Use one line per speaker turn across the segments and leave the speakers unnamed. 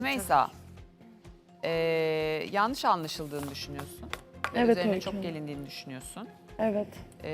Meysa, yanlış anlaşıldığını düşünüyorsun.
Evet,
Üzerine
Öykü
çok
Hanım.
gelindiğini düşünüyorsun.
Evet.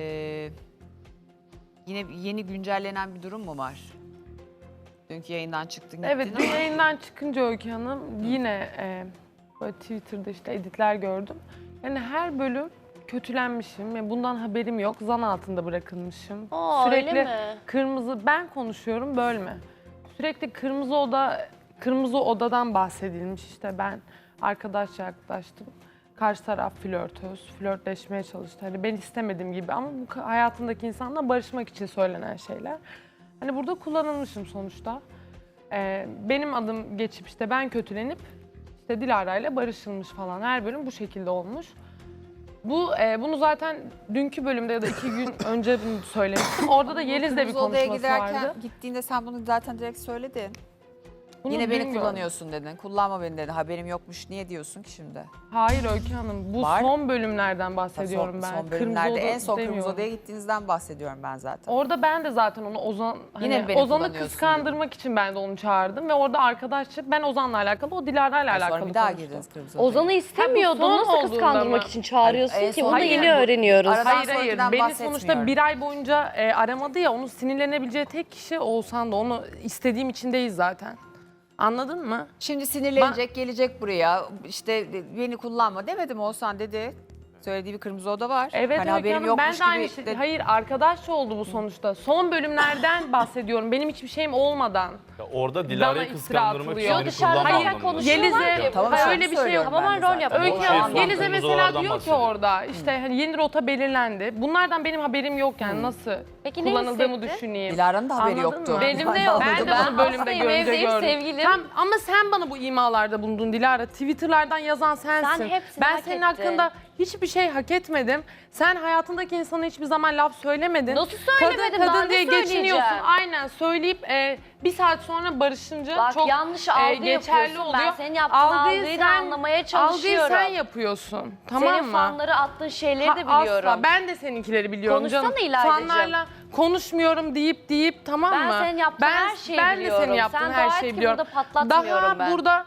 Yine yeni güncellenen bir durum mu var? Dünkü yayından çıktın gittin
Evet, dün
ama
yayından çıkınca Öykü Hanım yine böyle Twitter'da işte editler gördüm. Yani her bölüm kötülenmişim. Yani bundan haberim yok. Zan altında bırakılmışım.
Öyle mi?
kırmızı, ben konuşuyorum bölme. Sürekli kırmızı odadan bahsedilmiş. İşte ben arkadaşça yaklaştım. Karşı taraf flörtleşmeye çalıştı. Hani ben istemediğim gibi ama bu hayatındaki insanla barışmak için söylenen şeyler. Hani burada kullanılmışım sonuçta. Benim adım geçip işte ben kötülenip işte Dilara ile barışılmış falan. Her bölüm bu şekilde olmuş. Bunu zaten dünkü bölümde ya da 2 gün önce söylemiştim. Orada da Yeliz'le bir
Kırmızı Oda'ya
konuşması vardı.
gittiğinde sen bunu zaten direkt söyledin.
Bunu
Yine beni
dün gördüm.
kullanıyorsun dedin. Kullanma beni dedin. Haberim yokmuş. Niye diyorsun ki şimdi?
Hayır Öykü Hanım, bu
Var.
son bölümlerden bahsediyorum ben.
Son bölümlerde
Oda
en son Kırmızı
demiyorum.
Oda'ya gittiğinizden bahsediyorum ben zaten.
Orada ben de zaten onu
Yine mi beni
Ozan'ı
kullanıyorsun
kıskandırmak için ben de onu çağırdım ve orada arkadaşça ben Ozan'la alakalı, o Dilara'yla
Sonra
alakalı
bir daha
konuştum.
girdiniz Kırmızı Oda'ya.
Ozan'ı istemiyordun.
son
Nasıl
olduğunda
kıskandırmak
mı?
için çağırıyorsun
En
ki?
son
Onu da
değil
yeni
mi?
öğreniyoruz.
Aradan
Hayır
sonrakinden
beni
bahsetmiyorum.
sonuçta bir ay boyunca aramadı ya, onun sinirlenebileceği tek kişi Oğuzhan da, onu istediğim için değil zaten. Anladın mı?
Şimdi sinirlenecek, gelecek buraya. İşte beni kullanma demedim Oğuzhan dedi. Söylediği bir Kırmızı Oda var.
Evet
hani
Öykü
haberim
Hanım,
yokmuş
ben de aynı
gibi.
şey. Hayır, arkadaşça oldu bu sonuçta. Son bölümlerden bahsediyorum. Benim hiçbir şeyim olmadan.
Ya orada
Bana
Dilara'yı
iftira
kıskandırmak için
atılıyor.
beni
Dışarıda
kullanma
hala
anlamında.
konuşuyorlar
Yeliz'e
ki.
Tamam,
hayır,
şarkı
öyle bir şey yok.
söylüyorum ben
Tamamen
de
rol
zaten.
yapıyor.
Öykü
Şey,
Hanım,
son
Yeliz'e
Kırmızı
mesela
Oda'dan
diyor ki
bahsediyor.
orada işte hani yeni rota belirlendi. Bunlardan benim haberim yok yani, nasıl
Peki ne
kullanıldığımı
hissetti?
düşüneyim.
Dilara'nın da haberi
Anladın
yoktu.
mı?
Benim de yok.
Ben de
Ben
bunu bölümde
hastayım,
görünce
evdeyim,
gördüm.
sevgilim.
Ama sen bana bu imalarda bulundun Dilara. Twitter'lardan yazan sensin.
Sen hepsini
ben
hak
senin
ettin.
hakkında hiçbir şey hak etmedim. Sen hayatındaki insana hiçbir zaman laf söylemedin.
Nasıl söylemedim?
Kadın
Daha ne
diye geçiniyorsun.
söyleyeceğim?
Aynen, söyleyip bir saat sonra barışınca
Bak,
çok
yanlış algı
geçerli
yapıyorsun.
oluyor.
Ben senin yaptığın algıyı da anlamaya çalışıyorum.
Algıyı sen yapıyorsun. Tamam
Senin
mı?
fanları attığın şeyleri de biliyorum.
Asla. Ben de seninkileri biliyorum
Konuşsana
canım.
İlaydacığım.
Fanlarla konuşmuyorum deyip tamam
Ben
mı?
senin yaptığın her şeyi
ben
biliyorum.
de senin yaptığın
Sen
her
dua et
şeyi
ki
biliyorum.
burada patlatmıyorum
Daha
ben.
burada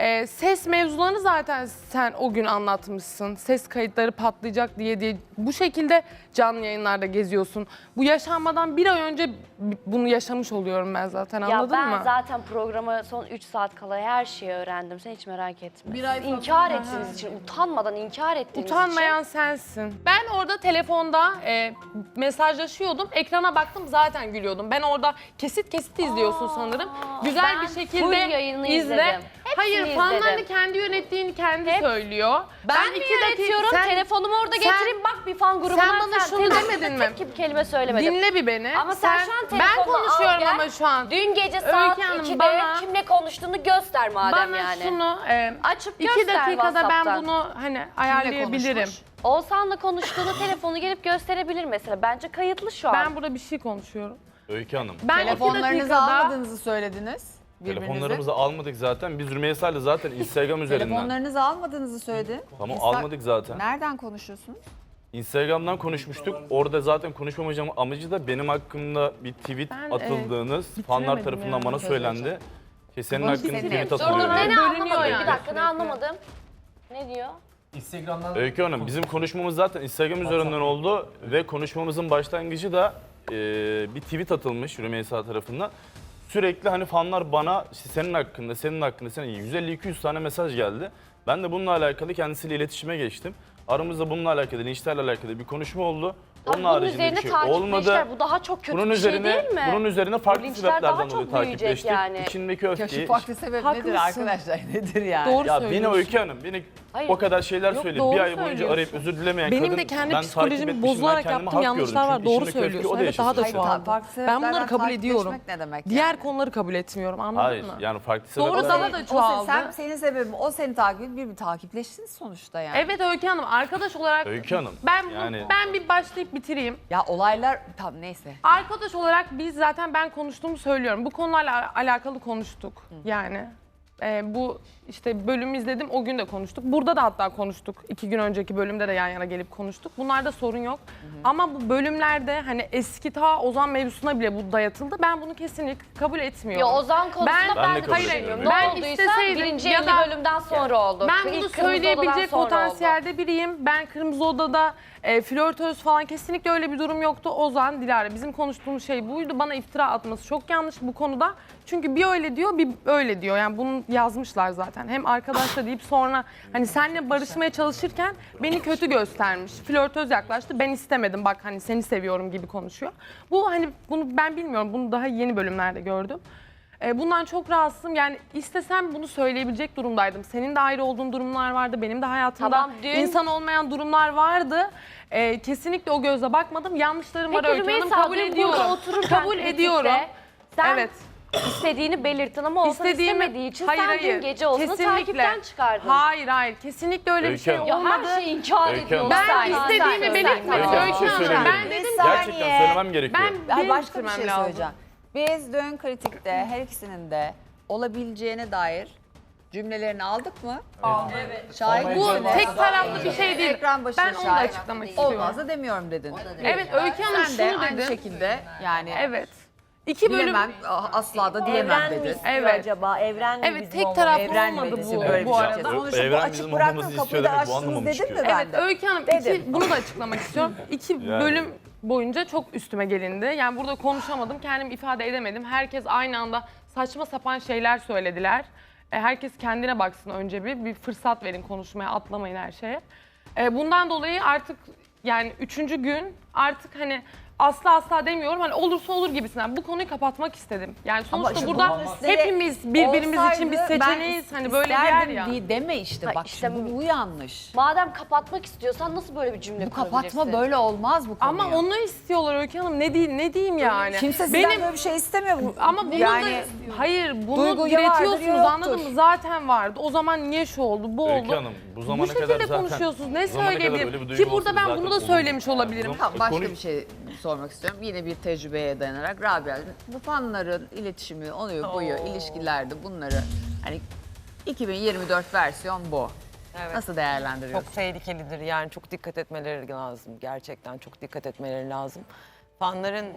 ses mevzularını zaten sen o gün anlatmışsın. Ses kayıtları patlayacak diye bu şekilde canlı yayınlarda geziyorsun. Bu yaşanmadan bir ay önce bunu yaşamış oluyorum ben zaten, anladın
Ya ben
mı?
zaten programı son 3 saat kala her şeyi öğrendim. Sen hiç merak etme.
Bir ay
Siz
sonra-
inkar ettiğiniz için, utanmadan inkar ettiğiniz
Utanmayan sensin. Ben orada telefonda mesajlaşıyordum. Ekrana baktım, zaten gülüyordum. Ben orada kesit izliyorsun sanırım. Güzel
ben
bir
full
şekilde
yayını
izle.
izledim. Hepsini
Hayır, fanlarını
izledim.
kendi yönettiğini kendi söylüyor.
Ben mi yönetiyorum? Telefonumu orada getireyim, bak bir fan grubuna.
sen bana şunu demedin mi?
Tek kelime söylemedim.
Dinle bir beni.
Ama sen şu an
Ben
telefonunu al
konuşuyorum
gel.
ama şu an.
Dün gece saat
Hanım,
2'de
bana-
kimle konuştuğunu göster madem
Bana
yani.
şunu
Açıp
2
göster
dakikada ben
WhatsApp'tan.
bunu hani ayarlayabilirim.
konuşmuş?
Oğuzhan'la konuştuğunu telefonu gelip gösterebilir mesela. Bence kayıtlı şu an.
Ben burada bir şey konuşuyorum.
Öykü Hanım.
Ben 2
Telefonlarınızı
dakikada
almadığınızı söylediniz. Birbirinize.
Telefonlarımızı almadık zaten. Biz Rümeysa'yla zaten Instagram üzerinden.
Telefonlarınızı almadığınızı söyledi.
Tamam, almadık zaten.
Nereden konuşuyorsunuz?
Instagram'dan konuşmuştuk. Orada zaten konuşmamacım amacı da benim hakkımda bir tweet
Ben,
atıldığınız fanlar
bitiremedim
tarafından
yani.
bana söylendi. Ki senin
Bunu
hakkında
bitirelim.
tweet
Dur dur,
atılıyor.
ne
diye.
anlamadım.
yani
Bir dakika, ne
sürekli.
anlamadım. Ne diyor?
Instagram'dan
Öykü Hanım, bizim konuşmamız zaten Instagram üzerinden oldu ve konuşmamızın başlangıcı da bir tweet atılmış Rümeysa tarafından. Sürekli hani fanlar bana işte senin hakkında, senin 150-200 tane mesaj geldi. Ben de bununla alakalı kendisiyle iletişime geçtim. Aramızda bununla alakalı, linçlerle alakalı bir konuşma oldu. Onun
Bunun
haricinde
üzerine
bir şey olmadı.
takipleşler. Bu daha çok kötü bir şey değil mi?
Bunun üzerine
Bu
farklı
linçler daha
sebeplerden
çok
dolayı
büyüyecek
takipleştik.
yani.
İçindeki
Ya şu
öfkeyi...
farklı sebep nedir
Haklısın.
arkadaşlar? Nedir yani?
Doğru
Ya beni
söylüyorsun.
Öykü Hanım, beni
Hayır.
o kadar şeyler
Yok,
söyledi.
doğru
Bir ay boyunca
söylüyorsun.
arayıp özür dilemeyen
Benim
kadın,
de kendi
ben
psikolojimi
takip etmişim,
bozularak
ben kendime
yaptığım
hak
yanlışlar
gördüm.
var.
Çünkü
Doğru
içindeki öfkeyi
söylüyorsun.
o da
Evet, daha da
yaşasın.
şu an.
Farklı
Ben bunları
sebeplerden
kabul ediyorum.
takipleşmek ne demek
Diğer
yani?
konuları kabul etmiyorum, anladın
Hayır,
mı?
yani farklı
Doğru,
sebepler.
daha da çoğaldı.
Senin sebebin o seni takip bir takipleştiniz sonuçta yani.
Evet Öykü Hanım, arkadaş olarak
Öykü Hanım, yani-
ben bir başlayıp bitireyim.
Ya olaylar tam neyse.
Arkadaş olarak biz zaten ben konuştuğumu söylüyorum. Bu konularla alakalı konuştuk yani. Bu işte bölümü izledim, o gün de konuştuk. Burada da hatta konuştuk. 2 gün önceki bölümde de yan yana gelip konuştuk. Bunlarda sorun yok. Ama bu bölümlerde hani eski ta Ozan mevzusuna bile bu dayatıldı. Ben bunu kesinlikle kabul etmiyorum.
Ya Ozan konusunda
Ben-
ben,
Ben de
de
kabul
düşünmüyorum.
etmiyorum.
Ne
Ben
olduysa
isteseydim
birinci
ya
50
da-
bölümden sonra oldu.
Ben bunu
İlk Kırmızı Oda'dan
söyleyebilecek
sonra oldu.
potansiyelde biriyim. Ben Kırmızı Oda'da flörtöz falan kesinlikle öyle bir durum yoktu. Ozan, Dilara bizim konuştuğumuz şey buydu. Bana iftira atması çok yanlış bu konuda. Çünkü bir öyle diyor, bir öyle diyor. Yani bunu yazmışlar zaten. Hem arkadaşla deyip sonra hani seninle barışmaya çalışırken beni kötü göstermiş. Flörtöz yaklaştı. Ben istemedim. Bak hani seni seviyorum gibi konuşuyor. Bu hani bunu ben bilmiyorum. Bunu daha yeni bölümlerde gördüm. Bundan çok rahatsızım. Yani istesem bunu söyleyebilecek durumdaydım. Senin de ayrı olduğun durumlar vardı. Benim de hayatımda
Tamam, dün-
insan olmayan durumlar vardı. Kesinlikle o gözle bakmadım. Yanlışlarım var
Peki
Öykü Hanım.
Rümeysa
Kabul
dün
ediyorum.
burada otururken
Kabul
kritikte
ediyorum.
Sen
Evet.
istediğini belirttin ama Oğuzhan istemediği için sen dün gece Oğuzhan'ı takipten çıkardın.
Hayır. Kesinlikle öyle bir
Öykü
şey
Hanım.
Ya
olmadı.
her şeyi inkar
Öykü
ediyorsun.
Hanım.
Ben
Sen-
istediğimi
sen-
belirtmedim.
sen-
Öykü Hanım,
Öykü
bir şey
Hanım,
söyleyebilir
ben
miyim?
dedim
Gerçekten söylemem gerekiyor.
Ay, başka bir
bitirmem
şey
lazım.
söyleyeceğim. Biz dün kritikte her ikisinin de olabileceğine dair cümlelerini aldık mı? Evet. Şahit
Bu
misiniz?
tek taraflı bir şey değil.
Ekran başında
Ben onu da
şahit.
açıklamak istiyorum.
Olmaz da demiyorum dedin.
Evet Öykü Hanım
Sen de
şunu
aynı
dedi.
şekilde yani
Evet. 2 bölüm.
bilemem, asla da diyemem
Evren mi
dedin.
istiyor
Evet.
acaba? Evren mi
Evet,
bizim
tek
olmamız?
taraflı
Evren mi
olmadı
bizim
bu,
böyle bir
bu
şey?
arada.
Sonuçta bu
Evren
açık
bizim
bıraktın,
olmamızı
kapıyı
istiyor
da
demek, bu
açtınız
anlamamı
dedim mi
çıkıyor.
ben
Evet
de?
Öykü Hanım
Dedim.
bunu da açıklamak istiyorum. 2
Yani.
bölüm boyunca çok üstüme gelindi. Yani burada konuşamadım, kendimi ifade edemedim. Herkes aynı anda saçma sapan şeyler söylediler. Herkes kendine baksın önce bir fırsat verin konuşmaya, atlamayın her şeye. Bundan dolayı artık yani 3. gün artık hani asla demiyorum hani olursa olur gibisinden bu konuyu kapatmak istedim. Yani sonuçta
işte
burada
bunun üstüne
hepimiz birbirimiz için bir
olsaydı ben
seçeneğiz. Hani böyle bir yer
isterdim
ya.
deme işte
Ha,
bak
işte
şimdi bu yanlış.
Madem kapatmak istiyorsan nasıl böyle bir cümle
Bu
kurabilirsin?
kapatma böyle olmaz bu konuyu.
Ama onu istiyorlar Öykü Hanım. Ne diyeyim yani?
Kimse sizden böyle bir şey istemiyor.
Ama bunu
yani,
da hayır bunu
duygu ya vardır ya
diretiyorsunuz
yoktur.
anladın mı? Zaten vardı. O zaman niye şu oldu, bu
Öykü
oldu?
Hanım, bu
Bu
zamana kadar
şekilde
zaten...
konuşuyorsunuz. Ne
bu zamana kadar öyle bir
söyleyebilirim?
duygu
Ki burada
olsaydı
ben
zaten
bunu da
olurdu.
söylemiş olabilirim.
Bunu-
Tamam, başka
konuş-
bir şey sormak istiyorum. Yine bir tecrübeye dayanarak Rabia, bu fanların iletişimi, oluyor boyu, ilişkilerde bunları hani 2024 versiyon bu.
Evet.
Nasıl değerlendiriyorsun?
Çok tehlikelidir yani çok dikkat etmeleri lazım. Gerçekten çok dikkat etmeleri lazım. Fanların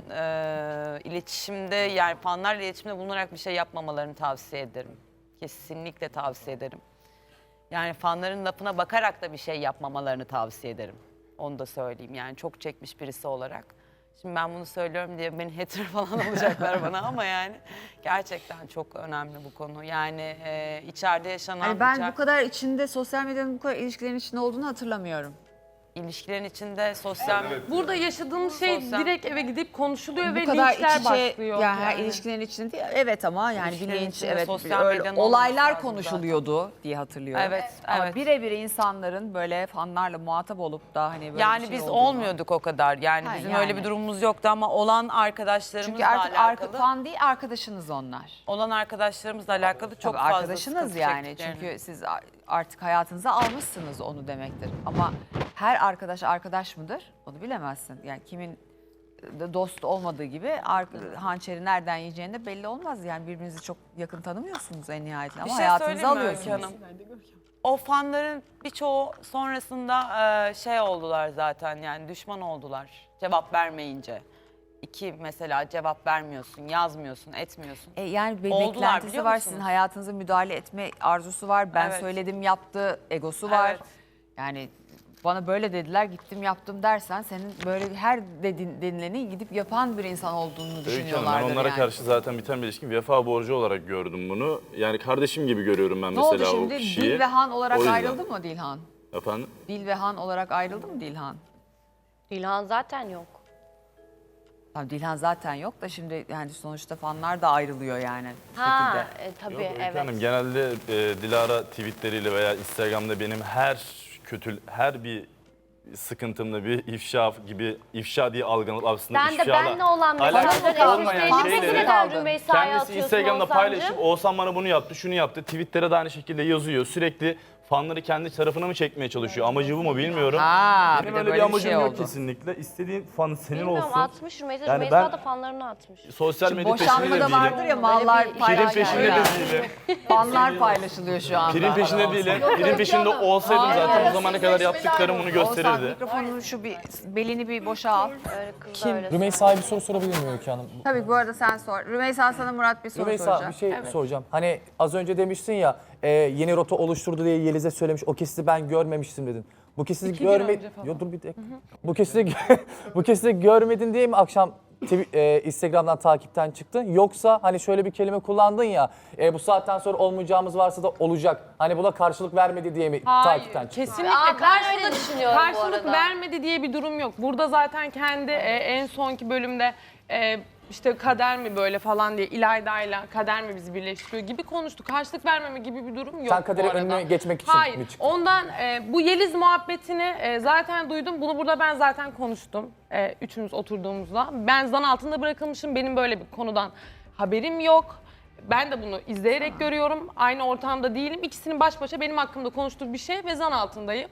iletişimde yani fanlarla iletişimde bulunarak bir şey yapmamalarını tavsiye ederim. Kesinlikle tavsiye ederim. Yani fanların lafına bakarak da bir şey yapmamalarını tavsiye ederim. Onu da söyleyeyim yani çok çekmiş birisi olarak. Şimdi ben bunu söylüyorum diye beni hater falan olacaklar bana ama yani gerçekten çok önemli bu konu. Yani içeride yaşanan
Hani ben bu kadar içinde, sosyal medyanın bu kadar ilişkilerin içinde olduğunu hatırlamıyorum.
ilişkilerin içinde sosyal
Burada yaşadığımız şey
Sosyal-
direkt eve gidip konuşuluyor ve
Bu kadar
linçler
iç içe,
başlıyor.
yani her ilişkilerin içinde değil. Evet ama yani bir
İlişkilerin
linç,
içinde
evet
sosyal
öyle
medyanın olması
olaylar
lazım
konuşuluyordu diye hatırlıyorum.
Evet,
Ama
evet.
birebir insanların böyle fanlarla muhatap olup da hani böyle
Yani
bir şey
biz
olduğunu-
olmuyorduk o kadar. Yani
Ha,
bizim
yani.
öyle bir durumumuz yoktu ama olan arkadaşlarımızla
Çünkü artık
alakalı.
fan değil, arkadaşınız onlar.
Olan arkadaşlarımızla alakalı çok
Tabii
fazla
arkadaşınız
sıkıntı
yani.
çektiklerini.
Çünkü siz artık hayatınıza almışsınız onu demektir. Ama her arkadaş arkadaş mıdır? Onu bilemezsin. Yani kimin dost olmadığı gibi hançeri nereden yiyeceğini de belli olmaz. Yani birbirinizi çok yakın tanımıyorsunuz en nihayetinde ama
Bir şey
hayatınıza
söyleyeyim mi Öykü
alıyorsunuz.
Hanım? O fanların birçoğu sonrasında şey oldular zaten yani düşman oldular cevap vermeyince. İki mesela cevap vermiyorsun, yazmıyorsun, etmiyorsun.
Yani bir
Oldular,
beklentisi
biliyor
var,
musunuz?
sizin hayatınıza müdahale etme arzusu var. Ben
Evet.
söyledim yaptı, egosu var.
Evet.
Yani bana böyle dediler gittim yaptım dersen senin böyle her denileni gidip yapan bir insan olduğunu
Öykü
düşünüyorlardır
Hanım, ben onlara
yani.
karşı zaten biten bir ilişki vefa borcu olarak gördüm bunu. Yani kardeşim gibi görüyorum ben
Ne
mesela
oldu şimdi?
o kişiyi.
Dil ve Han olarak
O yüzden.
ayrıldı mı Dilhan?
Efendim?
Dil ve Han olarak ayrıldı mı Dilhan?
İlhan zaten yok.
Tamam, Dilhan zaten yok da şimdi yani sonuçta fanlar da ayrılıyor yani. bir
Ha
şekilde.
tabii
Yok, Öykü
evet.
Hanım, genelde Dilara tweetleriyle veya Instagram'da benim her bir sıkıntımda bir ifşa gibi ifşa diye algılanıp aslında
Sen de
ifşayla
benle olan
alakası
mesajları
olmayan
eşleştirmek
şeyleri
neden
kaldın.
Rümeysa'ya
kendisi
atıyorsun
Instagram'da
Oğuzhan'cığım?
paylaşıp Oğuzhan bana bunu yaptı, şunu yaptı. Tweetlere de aynı şekilde yazıyor. Sürekli fanları kendi tarafına mı çekmeye çalışıyor? Amacı bu mu bilmiyorum.
Ha,
Benim
bir de
öyle bir
böyle bir
amacım
şey
yok
oldu.
kesinlikle. İstediğin fan senin
Bilmiyorum
olsun.
atmış Rümeysa.
Yani
Rümeysa
ben-
da fanlarını atmış.
Sosyal medya peşinde de
Boşanmada
değilim.
vardır ya mallar
bir-
Prim
paylaşılıyor.
peşinde de değilim.
Fanlar paylaşılıyor şu anda.
Prim peşinde değilim. Prim peşinde olsaydım zaten o zamana kadar yaptıklarım bunu
Oğuzhan
gösterirdi.
mikrofonunu şu bir belini bir boşalt.
Öyle kızlar öyle.
Rümeysa'ya bir soru sorabilir miyim Öykü Hanım?
Tabii bu arada sen sor. Rümeysa sana Murat bir soru
Rümeysa
soracak.
bir şey soracağım. Hani az önce demiştin ya yeni rota oluşturdu diye Yeliz'e söylemiş. O kesiti ben görmemiştim dedin. Bu kesiti
2 gün önce falan.
Yo dur bir dakika. Bu kesiti görmedin diye mi akşam Instagram'dan takipten çıktın? Yoksa hani şöyle bir kelime kullandın ya bu saatten sonra olmayacağımız varsa da olacak. Hani buna karşılık vermedi diye mi takipten çıktın?
Kesinlikle
Ben öyle düşünüyorum bu
karşılık
arada.
vermedi diye bir durum yok. Burada zaten kendi en sonki bölümde işte kader mi böyle falan diye İlayda'yla kader mi bizi birleştiriyor gibi konuştuk. Karşılık vermeme gibi bir durum yok
Sen kaderin
bu arada.
önüne geçmek için
Hayır,
mi çıktın?
ondan bu Yeliz muhabbetini zaten duydum. Bunu burada ben zaten konuştum üçümüz oturduğumuzda. Ben zan altında bırakılmışım. Benim böyle bir konudan haberim yok. Ben de bunu izleyerek görüyorum. Aynı ortamda değilim. İkisinin baş başa benim hakkımda konuştuğu bir şey ve zan altındayım.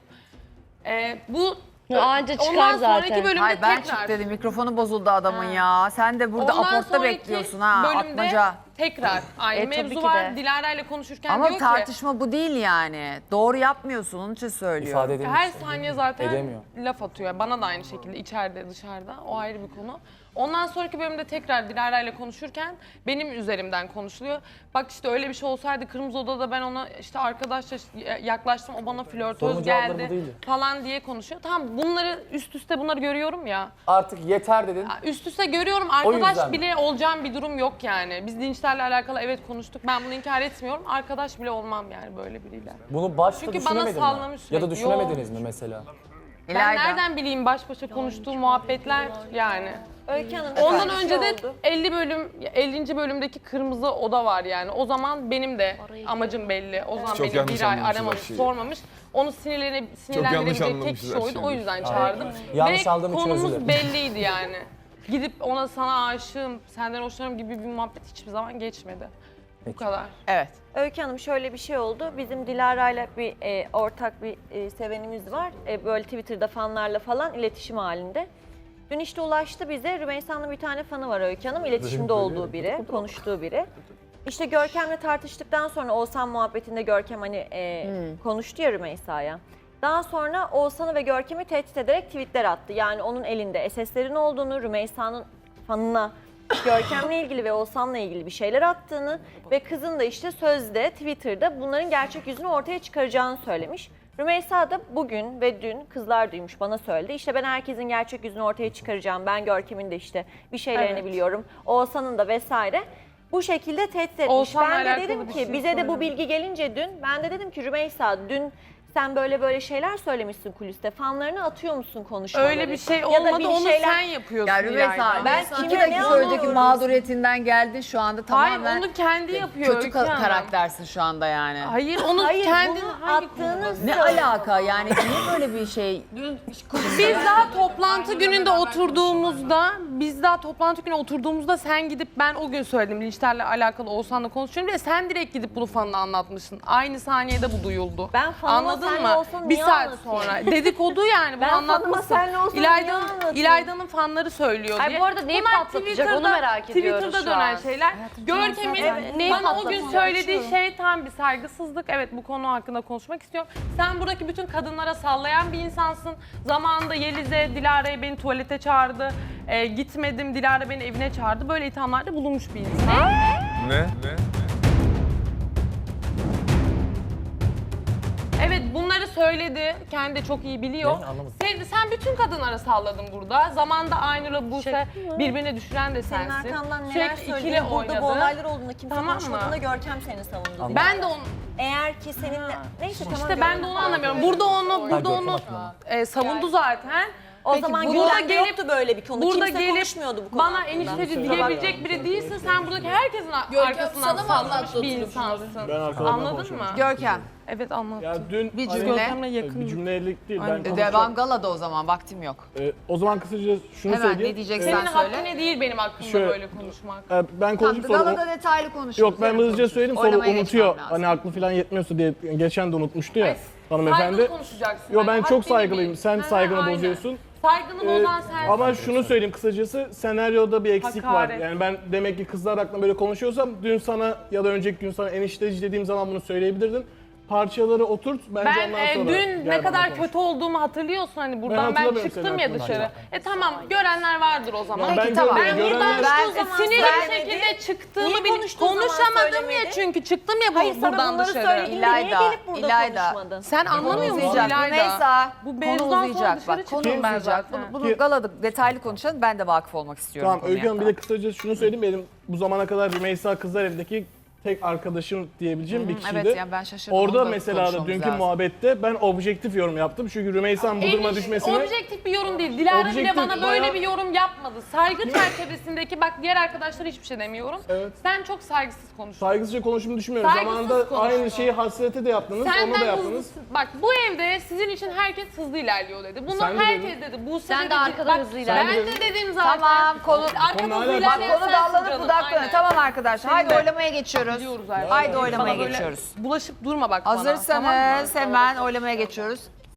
Bu
Anca çıkar
ondan sonraki
zaten.
bölümde
Hayır ben
tekrar.
çık dedim mikrofonu bozuldu adamın ya. Sen de burada
Ondan
aportta
sonraki
bekliyorsun ha
bölümde
atmaca.
tekrar aynı
tabii
mevzu
ki
var.
de.
Dilara ile konuşurken
Ama
diyor ki
tartışma bu değil yani. Doğru yapmıyorsun onun için söylüyorum.
İfade edilmiş.
her saniye zaten
Edemiyor.
laf atıyor. Bana da aynı şekilde içeride dışarıda. O ayrı bir konu. Ondan sonraki bölümde tekrar Dilara ile konuşurken benim üzerimden konuşuluyor. Bak işte öyle bir şey olsaydı Kırmızı Oda'da ben ona işte arkadaşça yaklaştım. O bana flörtöz
Sorunun cevapları bu
geldi
değildi.
falan diye konuşuyor. Tamam bunları üst üste bunları görüyorum ya.
Artık yeter dedin.
Üst üste görüyorum.
yüzden
Arkadaş
mi?
bile olacağım bir durum yok yani. Biz linçlerle alakalı evet konuştuk. Ben bunu inkar etmiyorum. Arkadaş bile olmam yani böyle biriyle.
Bunu başta
Çünkü bana
düşünemedin
sallamış
mi? Ya da
sürekli.
düşünemediniz mi mesela?
Ben
İlayda.
nereden bileyim baş başa konuştuğum muhabbetler yani.
Öykü Hanım,
Ondan
şöyle bir
önce de
şey oldu.
50. bölümdeki Kırmızı Oda var yani. O zaman benim de amacım belli. O zaman
Çok
beni
yanlış
bir ay
anlamışız
aramamış,
her şeyi.
sormamış. Onu sinirlendirebilecek tek
anlamışız
kişi
her
oydu.
şeyi.
O yüzden çağırdım.
Yanlış
Ve
aldığım için özür
konumuz
dilerim.
belliydi yani. Gidip ona sana aşığım, senden hoşlanırım gibi bir muhabbet hiçbir zaman geçmedi. Bu kadar.
Evet.
Öykü Hanım şöyle bir şey oldu. Bizim Dilara'yla bir ortak bir sevenimiz var. Böyle Twitter'da fanlarla falan iletişim halinde. Dün işte ulaştı bize. Rümeysa'nın bir tane fanı var Öykü Hanım. İletişimde olduğu biri, konuştuğu biri. İşte Görkem'le tartıştıktan sonra Oğuzhan muhabbetinde Görkem hani konuştu ya Rümeysa'ya. Daha sonra Oğuzhan'ı ve Görkem'i tehdit ederek tweetler attı. Yani onun elinde SS'lerin olduğunu, Rümeysa'nın fanına Görkem'le ilgili ve Oğuzhan'la ilgili bir şeyler attığını ve kızın da işte sözde Twitter'da bunların gerçek yüzünü ortaya çıkaracağını söylemiş. Rümeysa da bugün ve dün kızlar duymuş bana söyledi. İşte ben herkesin gerçek yüzünü ortaya çıkaracağım. Ben Görkem'in de işte bir şeylerini
Evet.
biliyorum. Oğuzhan'ın da vesaire. Bu şekilde tehdit etmiş.
Oğuzhan'la
Ben de
alakalı
dedim
bir
ki
şey
bize de bu
söylemedim.
bilgi gelince dün ben de dedim ki Rümeysa dün sen böyle şeyler söylemişsin kuliste. Fanlarını atıyor musun konuşmaları?
Öyle bir şey
Ya da
olmadı,
bir
onu
şeyler-
sen yapıyorsun
Ya Rümeysa
İlayda.
Ben
ben
kime
2
ne
dakika önceki
anlıyorum?
mağduriyetinden geldin şu anda
Hayır
tamamen
onu kendi yapıyor
kötü
Öykü Hanım.
karaktersin şu anda yani.
Hayır onu
Hayır
kendin
bunu
hangi
attığınız
Ne alaka yani niye böyle bir şey?
Biz daha toplantı gününde oturduğumuzda sen gidip ben o gün söyledim linçlerle alakalı Oğuzhan'la konuşuyorum diye sen direkt gidip bunu fanına anlatmışsın. Aynı saniyede bu duyuldu.
Ben fanıma
Anladın
senle
mı?
olsam
Bir
niye
saat
anlatayım?
sonra dedikodu yani bunu
Ben fanıma
anlatmışsın.
senle olsam niye anlatayım?
İlayda'nın fanları söylüyor
Ay,
diye.
bu arada neyi
Bunlar
patlatacak onu merak ediyoruz
Twitter'da
şu
dönen
an.
şeyler. Görkem'in
neyi
bana o gün
patlatacak?
söylediği şey tam bir saygısızlık. Evet bu konu hakkında konuşmak istiyorum. Sen buradaki bütün kadınlara sallayan bir insansın. Zamanında Yeliz'e, Dilara'ya beni tuvalete çağırdı. Gitmedim, Dilara beni evine çağırdı. Böyle ithamlarda bulunmuş bir insan.
Ne?
Evet bunları söyledi. Kendi de çok iyi biliyor.
Ne? Anlamadım.
Sen bütün kadınlara salladın burada. Zamanında Aynur'la Buse birbirine düşüren de
Senin
sensin.
arkandan neler
Sürekli ikili
söylüyor. Burada bu
oynadı.
olaylar olduğunda kimse
Tamam mı?
konuşmadığında Görkem seni savundu.
Ben de onu
Eğer ki seninle... Neyse tamam.
İşte ben de onu anlamıyorum. Burada onu savundu zaten.
O
Peki,
zaman
burada
gündemde yoktu böyle bir konu.
Burada
Kimse
gelip
konuşmuyordu bu konu
bana
hakkında.
enişte diyebilecek biri değilsin. Sen buradaki herkesin arkasından sallamış bir insansın. Anladın mı?
Görkem
Evet anlattım.
Ya dün
Bir
hani-
cümle.
Görkem'le yakın.
bir cümlelik değil. Ben
Aynen.
konuşacağım.
Devam galada o zaman vaktim yok.
O zaman kısaca şunu
Hemen
söyleyeyim.
ne diyeceksen
Senin
söyle.
haddine değil benim hakkımda
Şöyle-
böyle konuşmak.
Ben konuşup sonra...
Galada detaylı konuşuruz.
Yok ben
yarın
hızlıca
konuşuruz.
söyleyeyim sonra
Oylamaya
unutuyor.
geçmem lazım.
Hani aklı falan yetmiyorsa diye geçen de unutmuştu ya hanımefendi.
Saygılı konuşacaksın.
Yo ben
Yani
çok
haddini
saygılıyım.
bil.
Sen
Hı hı,
saygını
aynen.
bozuyorsun.
Saygını bozan sensin.
Ama şunu söyleyeyim kısacası senaryoda bir eksik
Hakaret.
var. Yani ben demek ki kızlar hakkında böyle konuşuyorsam dün sana ya da önceki gün sana enişteci dediğim zaman bunu söyleyebilirdin. Parçaları oturt bence
Ben
ondan sonra
dün
gel
ne
bana
kadar
konuş.
kötü olduğumu hatırlıyorsun hani buradan ben
hatırlamıyorum
çıktım
senin
ya
hakkında.
dışarı. Tamam görenler vardır o zaman.
Ben
Peki, tamam.
görmedim.
Ben
Görenler-
buradan-
Sinirli
Ben-
bir şekilde çıktığımı
Niye
bil-
konuştuğu zaman
konuşamadım ya
söylemedi?
çünkü çıktım ya
Hayır sana
buradan
bunları
dışarı.
söylediğinde niye
İlayda,
gelip burada
İlayda.
konuşmadın?
Sen anlamıyor musun
Uzayacak.
İlayda?
Rümeysa,
Bu
konu
mevzudan sonra
uzayacak.
dışarı
Bak konu
çıkayım ben
uzayacak.
zaten.
Bunu galada detaylı konuşalım. Ben de vakıf olmak istiyorum
Tamam
konuya.
Öykü Hanım bir de kısaca şunu söyleyeyim. Benim bu zamana kadar Rümeysa Kızlar Evi'ndeki tek arkadaşım diyebileceğim bir kişiydi.
Evet yani ben şaşırdım.
Orada
Onu da
mesela da
konuşmamız
dünkü
lazım.
muhabbette ben objektif yorum yaptım. Çünkü Rümeysa'nın bu duruma düşmesini...
Objektif bir yorum değil. Dilara bile
Objektif,
bana böyle
bayağı-
bir yorum yapmadı. Saygı çerçevesindeki bak diğer arkadaşlara hiçbir şey demiyorum.
Evet.
Sen çok saygısız konuştun.
Saygısızca konuştuğumu düşünmüyorum.
Saygısız
Zamanında
konuştu.
aynı şeyi hasrete de yaptınız, onu da yaptınız.
hızlı, bak bu evde sizin için herkes hızlı ilerliyor dedi. Bunu
Sen de
herkes dedi. Bu
Sen de arkada hızlı
Ben
ilerliyorsun.
de dedim zaten.
Tamam konu
Arkada
Konu
hızlı
hala-
ilerleyen
konu
sensin
dallanıp
canım,
budaklanıyor.
aynen.
Tamam arkadaşlar haydi
de.
oylamaya geçiyoruz.
Biliyoruz artık.
Haydi oylamaya
Bana böyle
geçiyoruz.
Bulaşıp durma bak bana.
Hazırsanız
tamam mı?
hemen oylamaya geçiyoruz.